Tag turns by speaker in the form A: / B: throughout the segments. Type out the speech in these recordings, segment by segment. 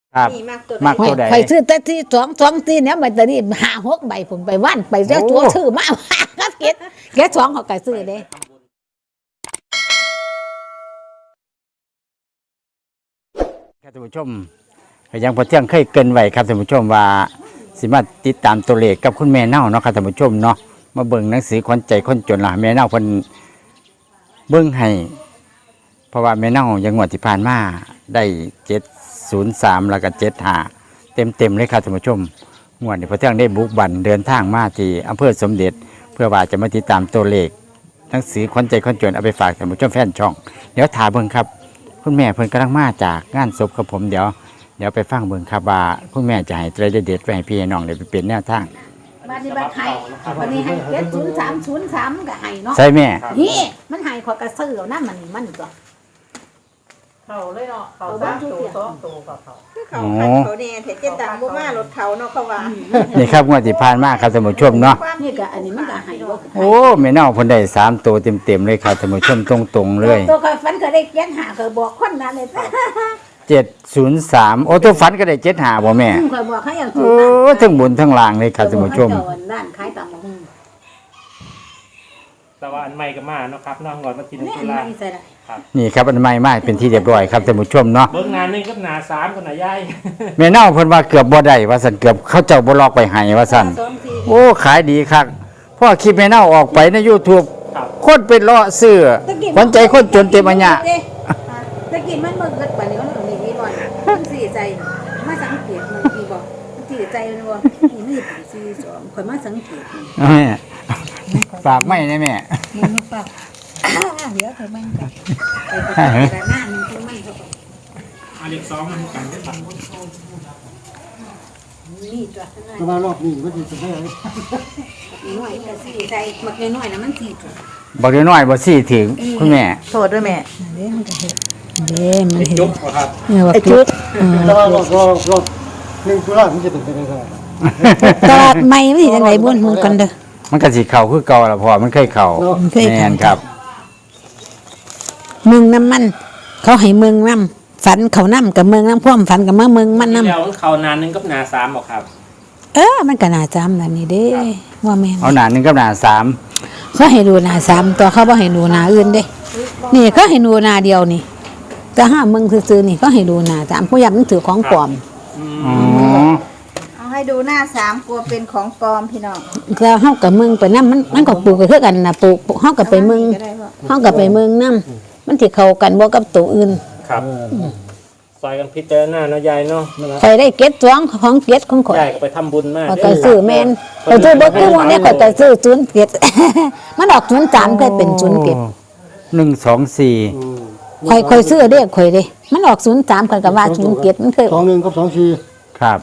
A: ครับมักตัวใด
B: ไปซื้อแต่ที่สองที่เนี่ยมันตอนนี้5-6 ใบผมไปว่านไปแล้วตัวซื้อมาก็เก็ด2เขาก็ซื้อเด้
A: ครับท่านผู้ชมยังพอเที่ยงเคยเกินไว้ครับท่านผู้ชมว่าสิมาติดตามตัวเลขกับคุณแม่เน่าเนาะครับท่านผู้ชมเนาะมาเบิ่งหนังสือขวัญใจคนจนล่ะแม่เน่าเพิ่นเบิ่งให้เพราะว่าแม่เน่ายังงวดที่ผ่านมาได้703แล้วก็75เต็มเลยครับท่านผู้ชมงวดนี้พอเที่ยงได้บุกบั่นเดินทางมาที่อำเภอสมเด็จเพื่อว่าจะมาติดตามตัวเลขหนังสือขวัญใจคนจนเอาไปฝากท่านผู้ชมแฟนช่องเดี๋ยวถามเบิ่งครับคุณแม่เพิ่นกำลังมาจากงานศพกับผมเดี๋ยวไปฟังเบิ่งครับว่าคุณแม่จะให้ตัวเด็ดๆไปให้พี่น้องได้ไปเป็นแนวทาง
B: บัดนี้บัดให้วันนี้ให้703ก็ให้เนาะ
A: ใช่แม่
B: นี่มันให้ขอยก็ซื้อเอานำมันก็
C: เขาเลยเนาะเขา3 ตัว2 ตัวกับเขา
D: คือเขาเนี่ยเห็นเจ็ดตังบ่มารถเขาเนาะเขาว่า
A: นี่ครับงวดที่ผ่านมาครับท่านผู้ชมเนาะ
B: นี่ก็อันนี้มันก็ให้บ่
A: โอ้แม่น้องเพิ่นได้3ตัวเต็มๆเลยครับท่านผู้ชมตรงๆเลย
B: ตัวก็ฝันก็ได้7-5ก็บอกคนนั้นเลย
A: 703โอ้ตัวฝันก็ได้75บ่แม่
B: ข่อยบอกให้เอา
A: โอ้ทั้งบนทั้งล่างเลยครับท่านผู้ชม
B: ด้านขายตำบักหุ่ง
C: แต่ว่าอันใหม่ก็มาเนาะครับน้องก่อนมากินตุลา
A: นี่ครับอันใหม่มาเป็นที่เรียบร้อยครับท่านผู้ชมเนาะ
C: เบิ่งงานนึงกับหน้า3กับหน้าใหญ่
A: แม่เน่าเพิ่นว่าเกือบบ่ได้ว่าซั่นเกือบเขาเจ้าบ่ลอกไปให้ว่าซั่นโอ้ขายดีคักพอคลิปแม่เน่าออกไปใน YouTube คนเป็นเลาะซื้อขวัญใจคนจนเต็มอัญญะ
B: ตะกี้มันบ่เกิดปานนี้มันก็มีน้อยมันสิใจมาสังเกตมันมีบ่มันสิใจมันบ่นี่42ข่อยมาสังเกต
A: แม่ฝากไม้นะแม่
B: มันฝากเดี๋ยวเธอมันก็ไปแต่หน้ามันคือมันก็
C: เลข2มันกันได้บัด
B: นี่ตัว
E: แต่ว่ารอบนี้มันสิได้
B: น้อยก็สิใจมักน้อยๆน่ะมันสิ
A: บักน้อยบ่สิถึงคุณแม่
D: โทษด้วยแม่
B: เด้มันก็เฮ็ดเด้มันเฮ็ด
C: จุ๊บครับ
B: ไอ้จุ๊บ
E: แต่ว่ารอบ1ตุลามันจะเป็นไปได้เท่าไหร่
B: ตลาดใหม่มันสิจังได๋บ่มึงกันเด้อ
A: มันก็สิเข้าคือเก่าล่ะพ่อมันเคยเข้าแม่นครับ
B: เมืองน้ำมันเขาให้เมืองน้ำฝันเขาน้ำกับเมืองน้ำพ่วมฝันกับเมืองมันน้ำ
C: แล้วเขานานนึงกับหน้า3บ่ครับ
B: มันก็น่าจำแบบนี้เด้ว่าแม่
A: เอาหน้า1กับหน้า3
B: เขาให้ดูหน้า3ตัวเขาบ่ให้ดูหน้าอื่นเด้นี่เขาให้ดูหน้าเดียวนี่แต่ห้าเมืองซื่อๆนี่เขาให้ดูหน้า3ผู้ยับมันถือของปลอม
D: เอาให้ดูหน้า3กลัวเป็นของปลอมพี่น้อง
B: แล้วเฮากับเมืองไปน้ำมันก็ปลูกไปคือกันน่ะปลูกเฮากับไปเมืองเฮากับไปเมืองน้ำมันสิเข้ากันบ่กับตัวอื่น
C: ครับซอยกันพิจารณาเนาะยายเนาะ
B: ข่อยได้เก็ด2ของเก็ดของข่อย
C: ยายก็ไปทำบุญมา
B: ก็ซื้อแม่นก็ซื้อบ่คือว่าเนี่ยก็ซื้อ0เก็ดมันออก03เคยเป็น0เก็ด
A: 124
B: ข่อยซื้อเด้ข่อยเด้มันออก03ข่อยก็ว่า0เก็ดมันเคย
E: 21กับ24
A: ครับ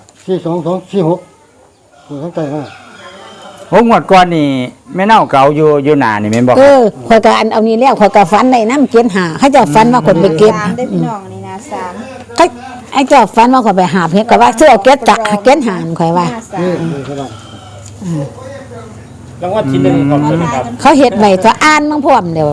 E: 4246ทั้งใจฮะ
A: โอ้งวดก่อนนี่แม่เน่าเก่าอยู่หน้านี่แม่นบ่
B: ข่อยก็เอานี่แล้วข่อยก็ฝันได้นำเก็ด5เขาเจ้าฝันว่าคนไปเก็บ
D: ได้พี่น้องนี่นะ3
B: ไอ้เจ้าฝันว่าข่อยไปหาเฮ็ดก็ว่าซื้อเอาเก็ดจักเก็ด5ข่อยว่า
C: รางวัลที่1ของเพิ่นครับ
B: เขาเฮ็ดไว้ตัวอ่านมั่งพร้อมเดี๋ยว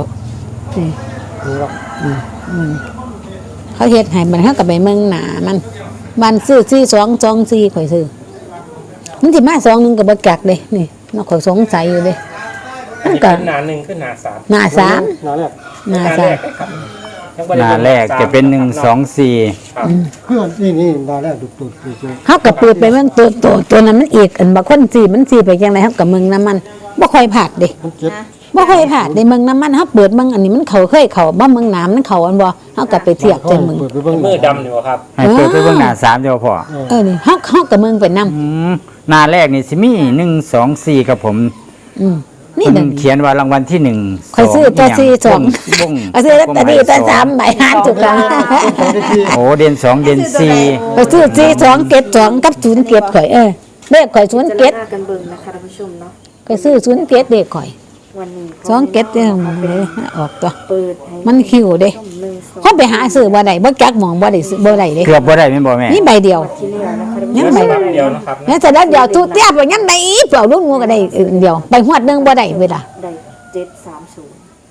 B: เขาเฮ็ดให้มันเฮาก็ไปเมืองหน้ามันซื้อ4224ข่อยซื้อมันสิมา21ก็บ่จักเด้นี่เนาะข่อยสงสัยอยู่เด้
C: มันก็หน้า1คือหน้า3
B: หน้า
E: 3
B: หน้า
A: หน้าแรกจะเป็น124
E: เพื่อนนี่หน้าแรกตุ่
B: เฮาก็เปิดไปเมืองตัวนั้นมันอีกอันบ่คนสิมันสิไปจังได๋เฮาก็เมืองน้ำมันบ่ค่อยพลาดเด้บ่ค่อยพลาดในเมืองน้ำมันเฮาเปิดเมืองอันนี้มันเคยเข้าบ่เมืองน้ำมันเข้าอันบ่เฮาก็ไปเทียบจังเมือง
C: มือดำอยู่ครับ
A: ให้เปิดไปเบิ่งหน้า3เดียวพอ
B: นี่เฮาก็เมืองไปน
A: ำหน้าแรกนี่สิมี124ครับผมนี่เขียนว่ารางวัลที่1
B: ข่อยซื้อตัว42ซื้อลอตเตอรี่ตัว3ใบ5ถูกต้อง
A: โอ้เดือน2เดือน4
B: ข่อยซื้อ42เก็บ2กับ0เก็บข่อยเลขข่อย0เก็บ
D: กันเบิ่งนะคะท่านผู้ชมเนาะ
B: ข่อยซื้อ0เก็บเลขข่อย
D: วันนี้
B: 2เก็บเด้ออกตัวมันคิวเด้เฮาไปหาซื้อบ่ได้บ่จักหม่องบ่ได้ซื้อบ่ได้เด้
A: เกือบบ่ได้แม่นบ่แม่
B: นี่ใบเดียว
C: ยังใบเดียวนะครับ
B: แม่แต่เดียวทุเตี้ยไปยังได้เปล่าลูกงูก็ได้เดียวไปฮอดนึงบ่ได้เวลา
D: ได้730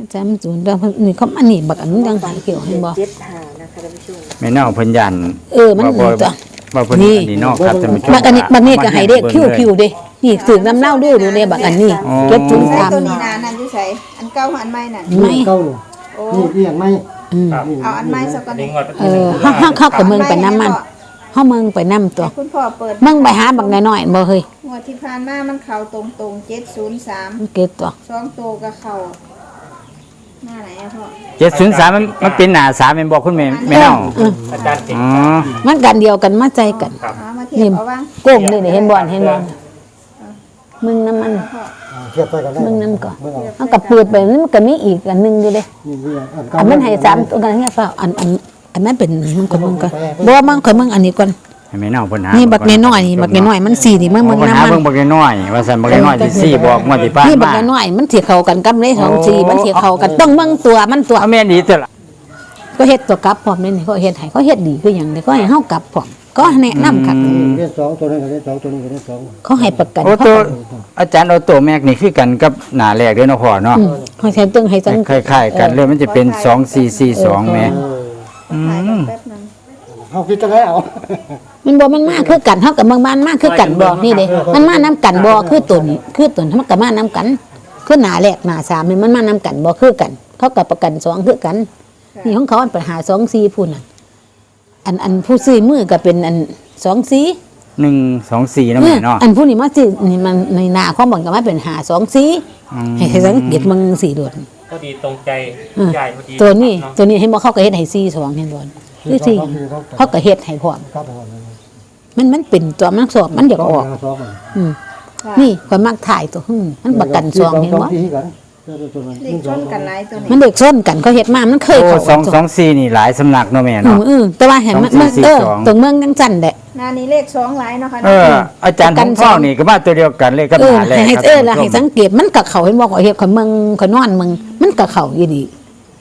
B: จำศูนย์แล้วนี่เขาอันนี้บักอันนี้ยังหายเกี่ยวเห็นบ่
D: 75นะคะท่านผู้ชม
A: แม่เน่าเพิ่นยัน
B: มัน
A: บ่
B: ตัว
A: ว่าเพิ่น
B: นี่
A: อันนี้เนอกครับท่านผู้ชม
B: บักอันนี้ก็ให้เด็กคิวๆเด้นี่ถึงน้ำเน่าดูดูเลยบักอันนี้
A: อ๋อ
B: เก็บศูนย์
D: ใส่
B: สาม
D: ตัวนี้นะนั่นอยู่ใส่อันเก่าอันใหม่น่ะ
B: ไม่
E: เก้านี่นี่เอียงไม่ นี่
D: เอาอันใหม่ซะก่อน
F: นี่
D: นี่
F: งวดวันที่หนึ่ง
B: เฮาเข้ากับเมืองไปน้ำมันเฮาเมืองไปน้ำตัว
D: คุณพ่อเปิด
B: เมืองไปหาบักน้อยๆบ่เฮ้ย
D: งวดที่ผ่านมามันเข้าตรงๆ703
B: มันเก็บตัว
D: 2ตัวก็เข้าหน้าไหนอะพ่อ
A: 703มันเป็นหน้า3แม่นบ่คุณแม่แม่เน่า
F: อาจารย์เก่ง
A: อ๋อ
B: มันกันเดียวกันมาใจกัน
D: เอามาเทียบเอาว่าง
B: โก้งนี่เห็นบ่เห็นบ่มึงน้ำมัน
E: เทียบไปกันได้
B: มึงนั่นก่อน
E: เมื่อเอา
B: เอากับเปิดไปนี่มันก็มีอีกอันหนึงอยู่เด้
E: นี่เอียงอันเก้า
B: อันมันให้3ตัวกันเงี้ยเปล่าอันนั้นเป็นมึงก่อนมึงก่อนบ่ว่ามึงข่อยมึงอันนี้ก่อน
A: ให้แม่เน่าเพิ่นหา
B: นี่
A: นี่
B: บักน้อยๆนี่บักน้อยๆมันสีนี่มึง
A: เบิ่ง
B: น้ำ
A: หา
B: มัน
A: เบิ่งบักน้อยว่าซั่นบักน้อยสิ4บอกงวดที่ผ่าน
B: นี่บัก
A: มา
B: น้อยๆมันสิเข้ากันกับเลยของสีมันสิเข้ากันต้องมึงตัวมันตัว
A: เอาแม่นดีตัวละ
B: ก็เฮ็ดตัวกลับพร้อมนี่เขาเฮ็ดให้เขาเฮ็ดดีคือหยังเด้ก็ให้เฮากลับพร้อมก็แนะนำคัก
E: เรียน2ตัวนั้นก็เรียน2ตัวนี้ก็เรียน2
B: เขาให้ประกัน
A: โอ้ตัวอาจารย์เอาตัวแม็กนี่คือกันกับหน้าแรกเด้อเนาะพ่อเนาะ
B: เขาใช้ตึงให้สัง
A: คล้ายๆกันเลยมันจะเป็น2442แม่
D: ถ่ายกันแป๊บนึง
E: เฮาคิดจังไดเอา
B: มันบ่มันมาคือกันเฮากับเมืองบ้านมาคือกันบ่นี่เด้มันมานํกันบ่คือตัวนี้คือตัวมันก็มานํกันคือหน้าแรกหน้า3นี่มันมานํกันบ่คือกัน เขากับประกัน2คือกันนี่ของเขาอันปัญหา2 4พุ่นน่ะอันผู้ซื้อมือก็เป็นอัน2 4
A: 124นะแม่เนาะ
B: อันผู้นี้มาสินี่มันในหน้าของบ่ก็มาเป็น5 2 4ให้สังเกตมึง4โดด
F: พอดีตรงใจใหญ่พอดี
B: ตัวนี้
F: เนาะ
B: ตัวนี้เห็นบ่เขาก็เฮ็ดให้4 2เห็นบ่คือสิเขาก็เฮ็ดให้พร้อม
E: ครับผม
B: มันเป็นตัวมันสอบมันอยากออก
E: สอง
B: อืมนี่ข่อยมักถ่ายตัวมันประกันซองเห็นบ่
E: ที่กัน
D: เลขชนกันหลายตัว
B: มัน
D: นี่
B: เด็กส้นกันเขาเฮ็ดมามันเคย
A: โอ้
B: เข้า
A: 224นี่หลายสำนักเนาะแม่เนาะ
B: แต่ว่าเห็นมันตรงเมืองจังจันแหละ
D: หน้านี้เลข2หลายเนาะค่ะ
A: อาจารย์ของพ่อนี่ก็มาตัวเดียวกันเลยกับหน้าแรก
B: ให้
A: ครับ
B: แล้วให้สังเกตมันก็เข้าเห็นบ่ข่อยเฮ็ดข่อยเมืองข่อยนอนเมืองมันก็เข้าอยู่ดี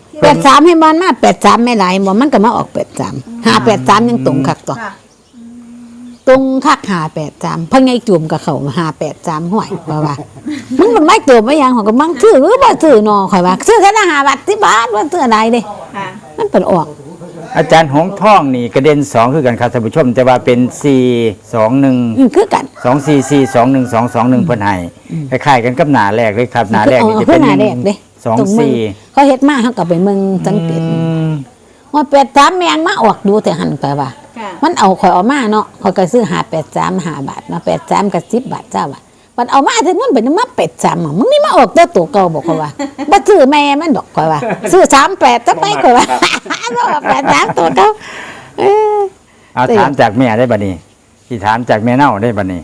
B: 83ให้มันมา83ไม่หลายบ่มันก็มาออก83 583ยังตรงคักตัว
D: ค่ะ
B: ตรงคัก583เพิ่นไงจุ่มก็เข้า583ห้วยว่ามันไม่ตัวบ่ยังของก็มังซื้อบ่ซื้อเนาะข่อยว่าซื้อแค่ละ5บาท10บาทว่าซื้ออะไรเด้
D: ค่ะ
B: มันเป็นออก
A: อาจารย์หงส์ท่องนี่กระเด็น2คือกันครับท่านผู้ชม แต่ว่าเป็น421
B: คือกัน
A: 244212221เพิ่นให้คล้ายๆกันกับหน้าแรกเลยครับหน้าแรกนี่จะ
B: เพื่
A: เป็
B: อน หน้าแรกเด้ตรงเมือง
A: 24
B: เขาเฮ็ดมาเขาก็ไปเมืองสังเกตว่า83แมงมาออกดูแต่หันไปว่า
D: ค่ะ
B: มันเอาข่อยเอามาเนาะข่อยก็ซื้อ583 5บาทมา83กับ10บาทจ้าว่ามันเอามาถึงมันเป็นมา83มึงนี่มาออกแต่ตัวเก่าบอกข่อยว่าบ่ซื้อแม่มันดอกข่อยว่า ซื้อ38จะไปข่อยว่า บ่83ตัวเก่าเออ
A: เอาถามจากแม่ได้บัดนี้ที่ถามจากแม่เน่าได้บัดนี้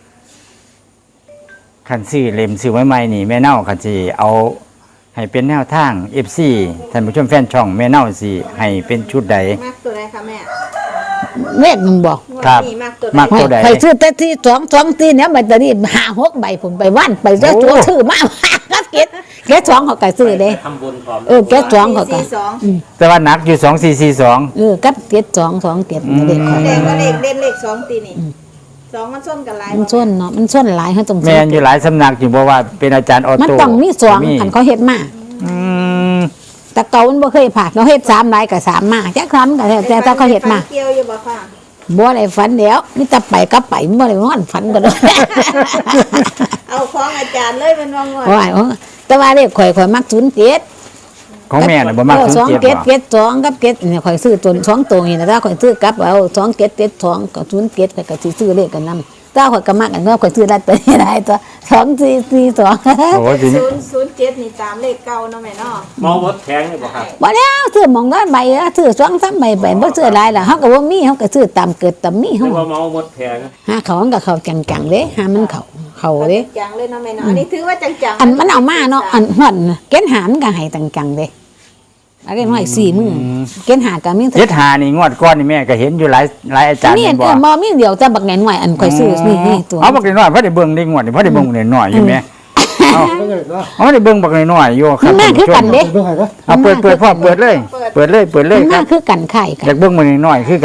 A: คันซื้อเล่มซื้อไว้ใหม่นี่แม่เน่าคันสิเอาให้เป็นแนวทาง FC ท่านผู้ชมแฟนช่องแม่เน่าสิให้เป็นชุดใด
D: มากตัวใดคะแม่
B: เลขมึงบอก
D: งวด
A: ครับ
D: นี้มากตัวใด
A: มาก ตัวใด
B: ไปซื้อแต่ที่2ตีเนี่ยใบตะนี้5-6ใบผมไปว่านไปเจ้าตัวซื้อมา ก็เก็ต2เขาก็ซื้อเด้
F: ทำบุญพร้อม
B: เก็ต2เขาก็
D: 442
A: แต่ว่านักอยู่2442
B: กับเก็ต2 เก็ตเด็กข่อย
D: แดงก็เลขเด่นเลข2ตีนี่2มันส้นกันหลาย
B: มันส้นเนาะมันส้นหลายเขาต้อง
A: แม่นอยู่หลายสำนักอยู่บ่ว่าเป็นอาจารย์ออ
B: มัน
A: โต้
B: ต้องมี2คันเขาเฮ็ดมา
A: อืม
B: แต่เก่ามันบ่เคยผ่านเขาเฮ็ด3หลายก็3มาจักครั้งก็แล้วแต่เขาเฮ็ดมา
D: เกี่ยวอยู่บ่ค่ะ
B: บ่ได้ฝันแล้วมีแต่ไปก็ไปบ่ได้นอนฝันก็ได้
D: เอาของอาจารย์เลยเป็นว่างวด
B: ว่าแต่ว่าเลขข่อยมัก07
A: ของแม่น่ะบ่มากถึง
B: 2
A: เจ็ด
B: เก็ต
A: บ่
B: 2กับเก็ตเนี่ยข่อยซื้อตัว2ตัวนี่นะถ้าข่อยซื้อกลับเอา2เก็ต2กับ0เก็ตข่อยก็สิซื้อเลขกันนำถ้าข่อยก็มักอันก็ข่อยซื้อได้ตัวนี้ได้ตัว2442
A: โอ้ทีนี้
D: 007นี่ตามเลขเก่าเนาะแม่เนาะ
F: มองวดแข็งเลยบ่ครับ
B: บ่แล้วซื้อหม่องละใบละซื้อ2-3ใบไปบ่ซื้อหลายล่ะเฮาก็บ่มีเฮาก็ซื้อตามเกิดตามมี
F: เรี
B: เฮาย
F: กว่ามองวดแข็ง
B: หาเขามันก็เข้าจังๆเด้หามันเข้าเด้
D: จังเลยเนาะแม่เนาะอันนี้ถือว่าจังๆ
B: อันมันเอามาเนาะอันฮอดเกณฑ์หามันก็ให้จังๆเด้อะไรน้อย4มื้อเกณฑ์หาก็มี
A: เจ็ดหานี่งวดก้อนนี่แม่ก็เห็นอยู่หลายอาจารย์
B: นี่
A: แม่นบ่
B: บ่มีเดียวแต่บักแหนน้อยอันข่อยซื้อนี่ตัว
A: เอาบักน้อยๆเพราะได้เบิ่งได้งวดนี่เพราะได้เบิ่งน้อยๆอยู่แม่
E: ไม่เลยเนาะ
A: เอาได้เบิ่งบักน้อยๆอยู่ครั
B: มั
A: บ
B: นมาคือกันเด้
E: เบิ่งให้ก็
A: เอาเปิดพ่อเปิดเลย เปิดเลย
B: มันมาคือกันไข่กั
A: อน ยากเบิ่งมันน้อยๆคือกัน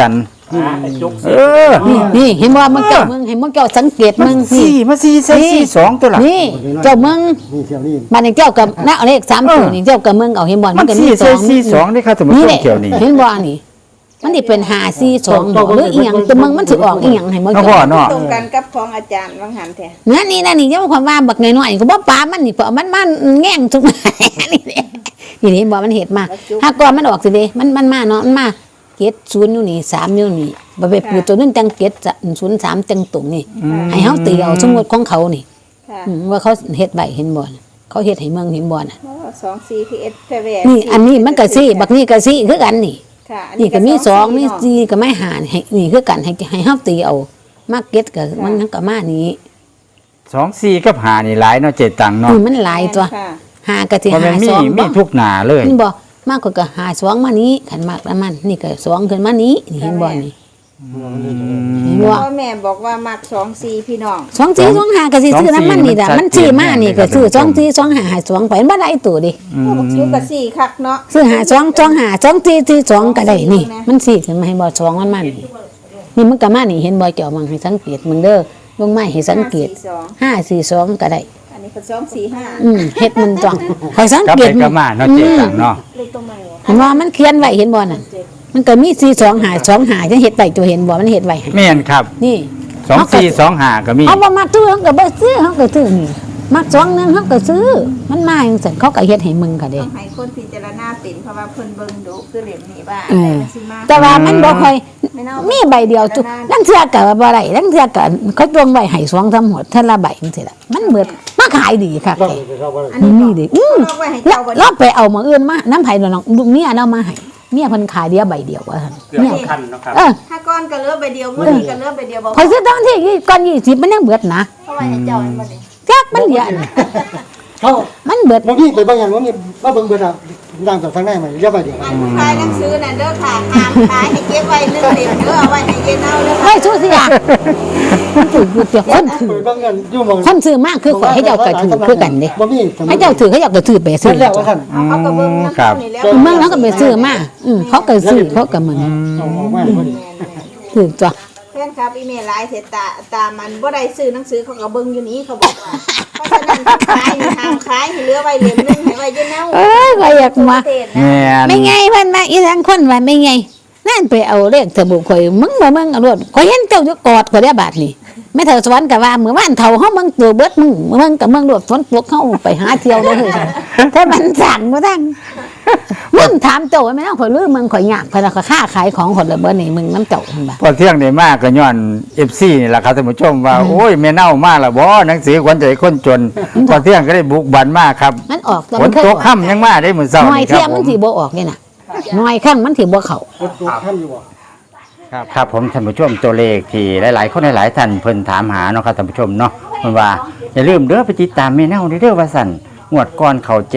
F: จุก
A: เออ
B: นี่เห็นว่ามึงเจ้ามึงเห็นมึงเจ้าสังเกตมึงนี่
A: สี่มาสี่ใส่สี่สองตัวละ
B: นี่เจ้ามึง
E: นี่เที่ยวนี่
B: มันเจ้ากับนักเลข3ตัวนี่เจ้ากับมึงเอาเห็นบ่
A: มั
B: มัน นก็มี
A: สี่
B: ส
A: ใส่
B: อง
A: สี่สองนี่ครับท่านผู้
B: นี่
A: ช
B: แห
A: ม
B: ละ
A: เกี่ยวนี่
B: เห็นบ่นี่มันนี่เป็น542บ่หรืออีหยังแต่มึงมันสิออกอีหยังให้มึง
A: น้อง
B: เจ้า
A: พ่อเนาะ
D: ตรงกันกับของอาจารย์วังหันแท้
B: นี่ยังความว่าบักน้อยๆก็บ่ปามันนี่เพราะมันแง่งทุกนี่แหละนี่เห็นบ่มันเฮ็ดมาถ้าก่อนมันออกสิเด้มันมาเนาะมันมาเกต0อยู่นี่3อยู่นี่บ่ไปปูตัวนึงจังเกต03จังตรงนี่ให้เฮาตีเอาสมมุติของเขานี่
D: ค่ะ
B: ว่าเขาเฮ็ดไว้เห็นบ่น่ะเขาเฮ็ดให้เมืองเห็นบ่น่ะ
D: 24 PS แพร่
B: นี่อันนี้มันก็สิบักนี้ก็สิคือกันนี่
D: ค่ะอั
B: นี่ก็มี2มี
D: เนาะ
B: 4ก็ไม่หารให้นี่คือกันให้เฮาตีเอามาเก็ตก็มันทั้งก็มานี้
A: สองสี่กับหานี่หลายเนาะเจ็ดตังค์เนาะ
B: นี่มันหลายตัว
D: ค่ะ
B: หาก็สิ
A: เพราะมัน
B: หา
A: มี
B: สอง
A: มีทุกหนาเลย
B: เห็นบ่มากกว่าก็หาสองมานี้ขันมากแล้วมันนี่ก็สองขึ้นมานี้นี่เห็นบ่นี่เห็นบ่
D: พ่อแม่บอกว่ามัก24พี่น้อง
B: สองสี่สองหาก็สิซื้อน้ำมันนี่ล่ะมันซื้อมานี่ก็ซื้อสองสี่สองหาหาสองไปมันบ่ได้ตัวดิ
D: พวกอยู่กับ4คักเนาะ
B: ซื้อหาสองสองหาสองสี่สี่สองก็ได้นี่ มันสี่ขึ้นมาให้บ่สองมันนี่นี่มันก็มานี่เห็นบ่เจ้ามังให้สังเกตมึงเด้อลงไม้ให้สังเกต
D: 542
B: 542ก็ได้
D: อันนี้ก็245
B: เฮ็ดมันจ้องคอยสัง
A: กลับ
B: เก
A: ไป
B: ต
A: กลับมาเนาะเจ็ดตังค์เนาะ
D: เลขตรงไหนวะ
B: เห็นว่ามันเขียนไว้เห็นบ่น่ะมันก็มี42หา2หาจังเฮ็ดไว้ตัวเห็นบ่มันเฮ็ดไว้ให้
A: แม่นครับ
B: นี่
A: สองสี่สองหาก็มี
B: เอาบ่มักซื้อเขาก็บ่ซื้อเขาก็ซื้อนี่มัก2นึงเขาก็ซื้อมันมาจังซั่นเขาก็เฮ็ดให้มึงก็
D: ต้
B: ได้
D: องให้คนพิจารณาเป็นเพราะว่าเพิ่นเบิ่งดูคือเหลี่ยมนี้ว่า
B: เออ
D: มันสิมา
B: แต่ว่ามันบ่ค่อย
D: ไม่เน่า
B: มีใบเดียวจุลังเทื่อก็บ่ได้ลังเทื่อก็เขาจงไว้ให้2-3หัวเท่าละใบจังซี่ล่ะมันเบิดมาขายดีค่ะ
E: ต้อง
B: แก
E: ไปเข้าบ้าน
D: อันนี้
B: นี่ดิ
D: เอาไว้ให้
B: แล้ว
D: เจ้าบ่
B: เราไปเอามาอื่นมาน้ำไผน้องลูกเมียเอามาให้เมียเพิ่นขายเดียวใบเดียวว่าซั่น
F: เกือบ
B: เมีย
F: คันเนาะครับ
D: ถ้าก้อนก็เหลือใบเดียวมื้อนี้ก็เหลือใบเดียวบ่
B: ข่อยซื้อตอนที่ก่อน20มันยังเบิดนะ
D: เอาไว้ให้เจ้าอันบ่นี่
B: จักมันเยอะ
E: เขา
B: มันเบิด
E: บางทีไปบางอย่างว่ามีว่าเบิ่งเบิ่งอ่ะดังจากทางไหนมาเยอะไปเดี๋ยว
D: อันผู้ขายหนังสือน่ะเด้อค่ะห้ามขายให้เก็บไว้1เล่มเด้อเอาไว้ให้เย็นเอาเด้อ
B: เฮ้ยสู้สิอ่ะมันถือกูเจ้าคนถือ
E: ไปบางอย่างอยู่มอง
B: คนซื้อมากคือข่อยให้เจ้าก็ถือคือกันเด้
E: บ่มี
B: ให้เจ้าถือให้เจ้าก็ถือไปซื้
E: ซื้
B: อ
E: อแล้วว่าท่าน
D: เอาเขาก็เบิ่งนำ
A: ครับ
D: นี่แล้ว
B: เมืองแล้วก็ไปซื้อมาเขาก็ซื้อเขาก็เหมือน
E: เอาออกมาพอดี
B: ถือจ้ะ
D: แฟนครับอีเมลไลน์เสร็จตามันบ่ได้ซื้อหนังสือเขาก็เบิ่งอยู่นี้เขาบอกว่าเพราะฉะนั้นขายนี่ห้ามขายให้เหลือไว้เล่มนึงให้ไว้เย็นเอา
B: เอ้ยก็อยากมา
D: ประเทศนะ
A: แม่น
B: ไม่ไงเพิ่นมาอีทั้งคนว่าไม่ไงนั่นไปเอาเลขเถอะบุข่อยมึงบ่มึงเอารถข่อยเห็นเจ้าอยู่กอดข่อยได้บาทนี่แม่เฒ่าสวรรค์ก็ว่ามื้อวานเฒ่าเฮามึงตัวเบิดมึงกับมึงรถฝนตกเฮาไปหาเที่ยวเด้อเฮ้ยแต่มันสั่งบ่ทังมึงถามเจ้าว่าแม่นข่อยลืมมึงข่อยยากเพิ่นก็ค้าขายของคนละเบิดนี่มึงน้ำเจ้าเพิ่นว่า
A: พอเที่ยงได้มากก็ย้อน FC นี่แหละครับท่านผู้ชมว่าโอ้ยแม่เน่ามาแล้วบ่หนังสือขวัญใจคนจนพอเที่ยงก็ได้บุกบันมากครับ
B: มันออกแต่
A: ฝ
B: มัน
A: น
B: เคย
A: ต
B: อก อก
A: ค่ำยังมาได้มื้อเช้า
B: หน่อย
A: นี่ค
B: เที่ย
A: รับ
B: มัน
A: ผม
B: สิบ่ออกนี่น่ะหน่อยข้างมันสิบ่เข้า
E: รถตัวท่านอยู่บ่
A: ครับผมท่านผู้ชมตัวเลขที่หลายๆคนหลายๆท่านเพิ่นถามหาเนาะครับท่านผู้ชมเนาะเพิ่นว่าอย่าลืมเด้อไปติดตามแม่เน่าเด้อว่าสั่นงวดก่อนเข้า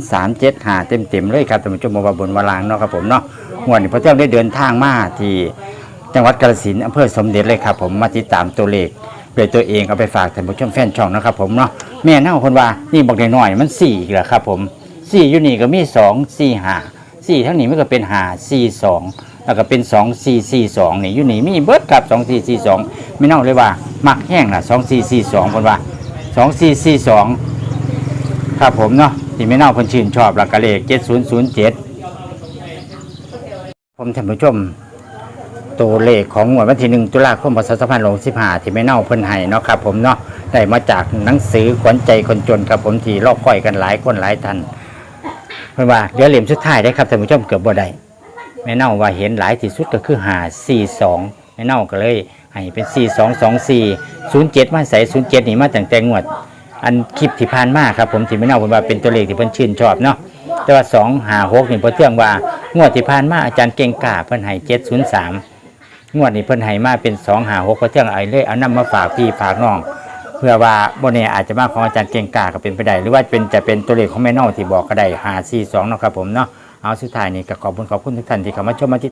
A: 70375เต็มๆเลยครับท่านผู้ชมบ่ว่าบนว่าล่างเนาะครับผมเนาะงวดนี้พอเที่ยงได้เดินทางมาที่จังหวัดกาฬสินธุ์อำเภอสมเด็จเลยครับผมมาติดตามตัวเลขด้วยตัวเองเอาไปฝากท่านผู้ชมแฟนช่องนะครับผมเนาะแม่เน่าเพิ่นว่านี่บอกน้อยๆมัน4อีกแล้วครับผม4อยู่นี่ก็มี2 4 5 4ทั้งนี้มันก็เป็น5 4 2แล้วก็เป็น2 4 4 2นี่อยู่นี่มีเบิดกับ2 4 4 2ไม่เน่าเลยว่ามักแห้งล่ะ2 4 4 2เพิ่นว่า2 4 4 2ครับผมเนาะที่ไม่เน่าเพิ่นชื่นชอบหลักกะเลข7007ผมท่านผู้ชมตัวเลขของงวดวันที่1ตุลาคมพศ2565ที่ไม่เน่าเพิ่นให้เนาะครับผมเนาะได้มาจากหนังสือขวัญใจคนจนครับผมที่รอคอยกันหลายคนหลายท่านเพิ่นว่าเหลือเหลี่ยมสุดท้ายได้ครับท่านผู้ชมเกือบบ่ได้แม่เน่าว่าเห็นหลายที่สุดก็คือ542แม่เน่าก็เลยให้เป็น4224 07มาใส่07นี่มาตั้งแต่งวดอันคลิปที่ผ่านมาครับผมที่แม่เน่าเพิ่นว่าเป็นตัวเลขที่เพิ่นชื่นชอบเนาะแต่ว่า256นี่เพิ่นเทื่องว่างวดที่ผ่านมาอาจารย์เก่งกาเพิ่นให้703งวดนี้เพิ่นให้มาเป็น256เพิ่นเทื่องเอาเลยเอานำมาฝากพี่ฝากน้องเพื่อว่าบ่แน่อาจจะมาของอาจารย์เก่งกาก็เป็นไปได้หรือว่าจะเป็นตัวเลขของแม่เน่าที่บอกก็ได้542เนาะครับผมเนาะเอาสุดท้ายนี้ก็ขอบคุณทุกท่านที่เข้ามาชมมาติด